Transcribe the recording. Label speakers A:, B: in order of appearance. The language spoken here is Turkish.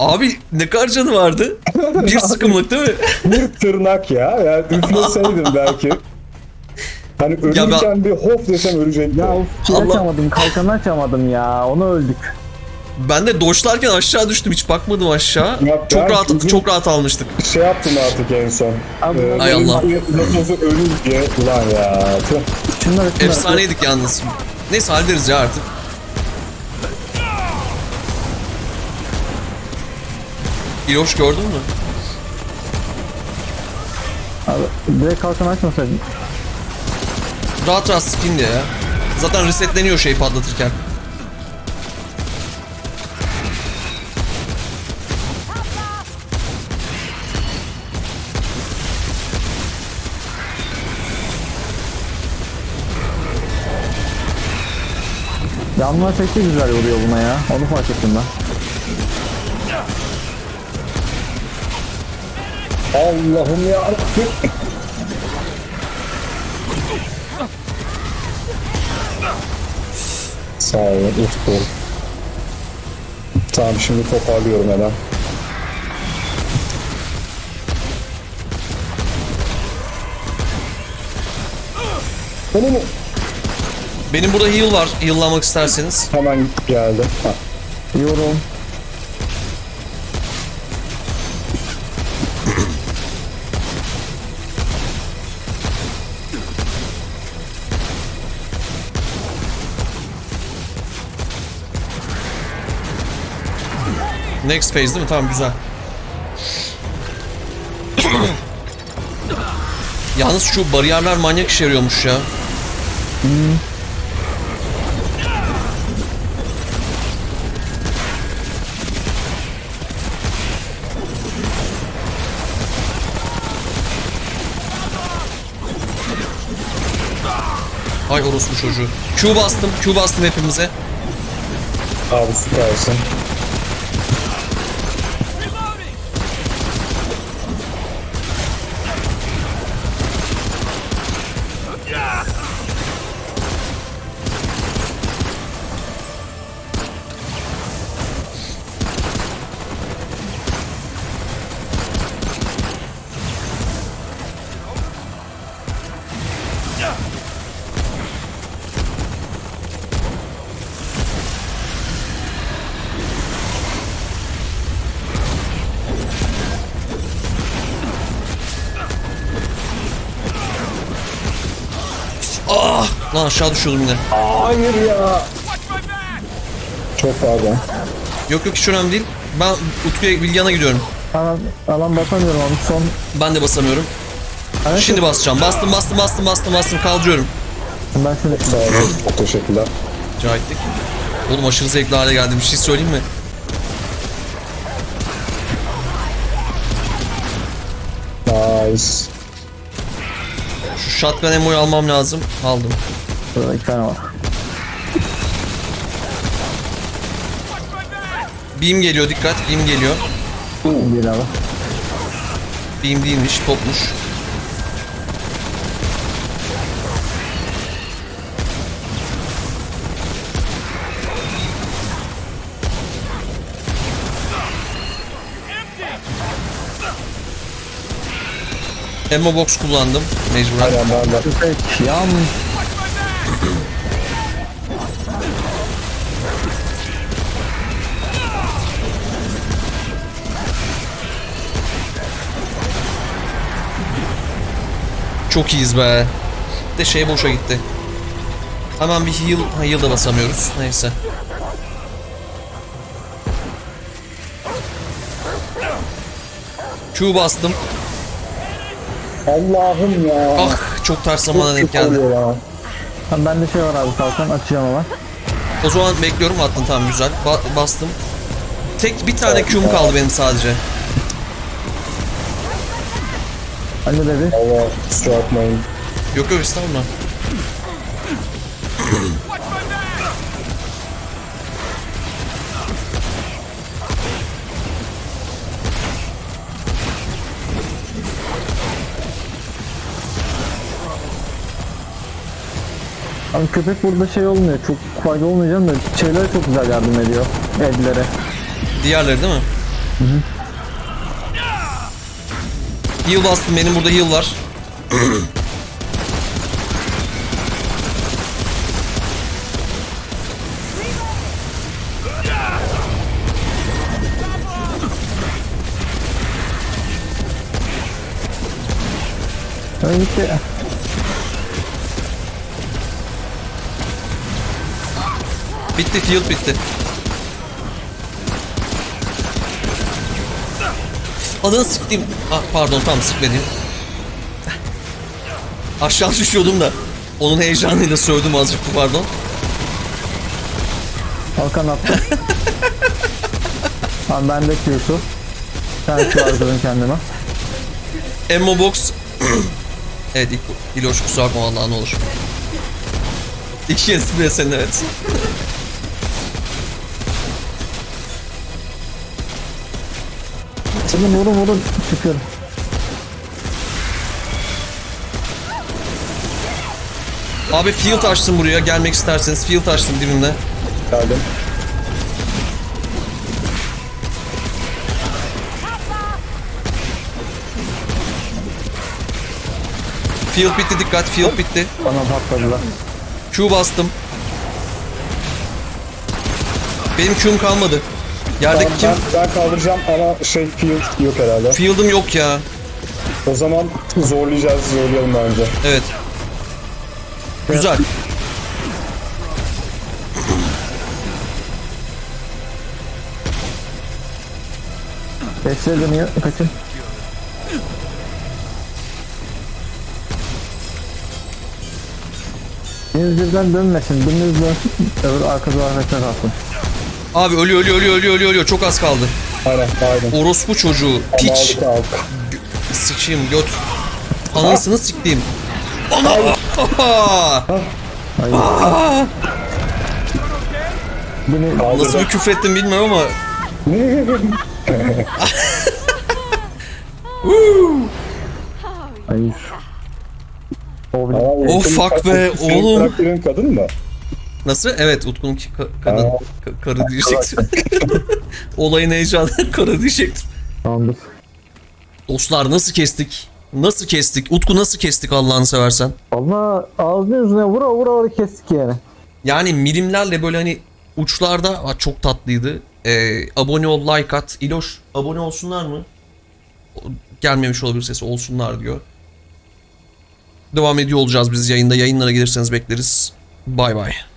A: Abi ne kadar canı vardı? Bir sıkımlık değil mi?
B: Bir tırnak ya. Yani üfleseydim belki. Hani ölürken bir hof desem ölecekti.
C: Ya of, şey
A: Allah-
C: açamadım, kalkanı açamadım ya. Onu öldük.
A: Ben de doşlarken aşağı düştüm, hiç bakmadım aşağı.
B: Ya
A: Çok
B: ben
A: rahat
B: uzun-
A: çok rahat almıştık.
B: Şey yaptım artık en son.
C: Abi,
A: Ay Allah.
B: Lafazı ölür diye. Ulan ya. Tüh.
C: şunları
A: Efsaneydik yalnız. Neyse hallederiz ya artık. İloş gördün mü?
C: Abi, direkt kalkanı açmasaydın.
A: Rahat rahat spin diye ya. Zaten resetleniyor şey patlatırken.
C: Yanma efekti güzel vuruyor buna ya. Onu fark ettim ben.
B: Allah'ım ya. Sağ olun Utku. Tamam şimdi toparlıyorum hemen. Benim
A: Benim burada heal var. Heal'lamak isterseniz.
B: hemen geldi. Ha.
C: Yorum.
A: Next phase değil mi? Tamam güzel. Yalnız şu bariyerler manyak işe yarıyormuş ya. Ay orospu çocuğu. Q bastım hepimize.
B: Abi süpersin.
A: Ah! Lan aşağı düşüyordum yine.
B: Hayır ya. Çok pardon.
A: Yok hiç önemli değil. Ben Utku'ya Bilgehan'a gidiyorum.
C: Alan basamıyorum abi. Son.
A: Ben de basamıyorum.
C: Evet,
A: Şimdi basacağım. Bastım kaldırıyorum.
C: ben şöyle.
B: Sağ olun. Çok teşekkürler.
A: Cahitlik. Oğlum aşırı zevkli hale geldi. Bir şey söyleyeyim mi?
B: Nice.
A: Şu shotgun ammo'yu almam lazım. Aldım.
C: Şurada 2 tane var.
A: Beam geliyor dikkat. Beam geliyor.
C: Değil abi.
A: Beam değilmiş. Topmuş. Ammo box kullandım. Mecburen.
B: Aynen ben de.
C: Tüfek. Yan.
A: Çok iyiyiz be. De şey boşa gitti. Hemen bir heal. Ha, heal da basamıyoruz. Neyse. Q bastım.
B: Allah'ım ya.
A: Ah çok ters zamana denk
B: Çok
A: geldi.
B: oluyor ya.
C: Ha, bende şey var abi, kalkan açacağım ama.
A: O zaman bekliyorum attın tamam güzel. Bastım. Tek bir tane Q'm kaldı benim sadece.
C: Anne dedi.
B: Allah kusura bakmayın.
A: Yok yok estağfurullah.
C: Abi köpek burada şey olmuyor. Çok fayda olmayacağım da şeylere çok güzel yardım ediyor. Evlere.
A: Diğerleri değil mi? Heal bastım, benim burada heal var.
C: Öyle gitti.
A: Bitti, field bitti. Adını sıktım. Ah, pardon, tam sıkmadım. Aşağı düşüyordum da. Onun heyecanıyla sövdüm azıcık, pardon.
C: Hakan attı. Tamam ben de Q'su. Sen Q harcadın kendime.
A: Ammo box. Evet, İloş kusura bakma vallahi, ne olur. İki kez bile senin, evet.
C: Şimdi vurun çıkıyorum.
A: Abi field açtım buraya, gelmek isterseniz field açtım dibimde.
B: Geldim.
A: Field bitti, dikkat, field bitti.
C: Bana patladılar.
A: Q bastım. Benim Q'm kalmadı. Yerdeki
B: Tamam,
A: kim?
B: ben kaldıracağım ama field yok herhalde.
A: Field'ım yok ya.
B: O zaman zorlayalım bence.
A: Evet. Güzel.
C: Beşler dönüyor. Kaçın. Biriniz birden dönmesin. Biriniz dönsün. Öbür arka duvarda kalsın.
A: Abi ölüyor. Çok az kaldı.
B: Aynen.
A: Orospu çocuğu.
B: Ama
A: Piç.
B: aldık.
A: Sıçayım göt. Anasını siktiğim. Ana.
C: Hayır. Beni
A: Nasıl bir küfrettim bilmiyorum ama.
C: hayır. O bile.
A: Oh fuck be,
B: Senin
A: oğlum.
B: karakterin kadın mı?
A: Nasıl? Evet, Utku'nun kadın. Karı diyecektim. Olayın heyecanı karı diyecektim.
C: Tamamdır.
A: Dostlar nasıl kestik? Nasıl kestik? Utku nasıl kestik Allah'ını seversen?
C: Allah ağzının yüzüne vura kestik yani.
A: Yani milimlerle böyle hani uçlarda çok tatlıydı. Abone ol, like at. İloş abone olsunlar mı? Gelmemiş olabilir sesi, olsunlar diyor. Devam ediyor olacağız biz yayında. Yayınlara gelirseniz bekleriz. Bay bay.